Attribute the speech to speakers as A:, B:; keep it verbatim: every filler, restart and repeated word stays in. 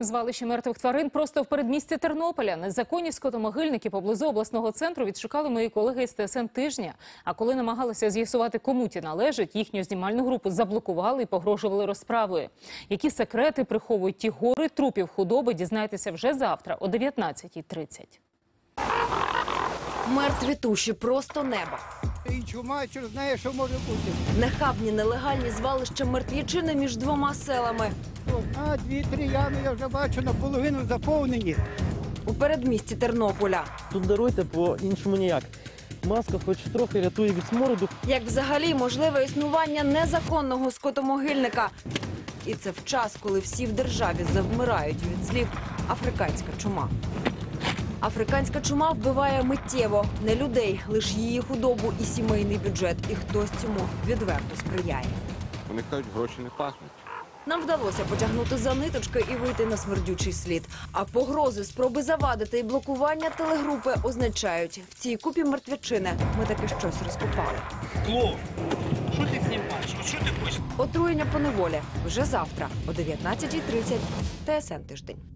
A: Звалище мертвих тварин просто в передмісті Тернополя. Незаконні скотомогильники поблизу обласного центру відшукали мої колеги з Т С Н тижня. А коли намагалися з'ясувати, кому ті належать, їхню знімальну групу заблокували і погрожували розправою. Які секрети приховують ті гори трупів худоби, дізнайтеся вже завтра о дев'ятнадцятій тридцять.
B: Мертві туші, просто небо.
C: І чума, чи знає, що може бути.
B: Нехабні нелегальні звалища мертвічини між двома селами.
C: Одна, дві, три ями я вже бачу наполовину заповнені.
B: У передмісті Тернополя.
D: Тут даруйте, по-іншому ніяк. Маска хоч трохи рятує від смороду.
B: Як взагалі можливе існування незаконного скотомогильника. І це в час, коли всі в державі завмирають від слів «африканська чума». Африканська чума вбиває миттєво. Не людей, лише її худобу і сімейний бюджет. І хтось цьому відверто сприяє.
E: Вони кажуть, гроші не пахнуть.
B: Нам вдалося потягнути за ниточки і вийти на смердючий слід. А погрози, спроби завадити і блокування телегрупи означають, в цій купі мертвячини ми таки щось розкопали.
F: Клоун, що ти знімаєш? Що ти хочеш?
B: Отруєння по неволі вже завтра о дев'ятнадцятій тридцять. Т С Н тиждень.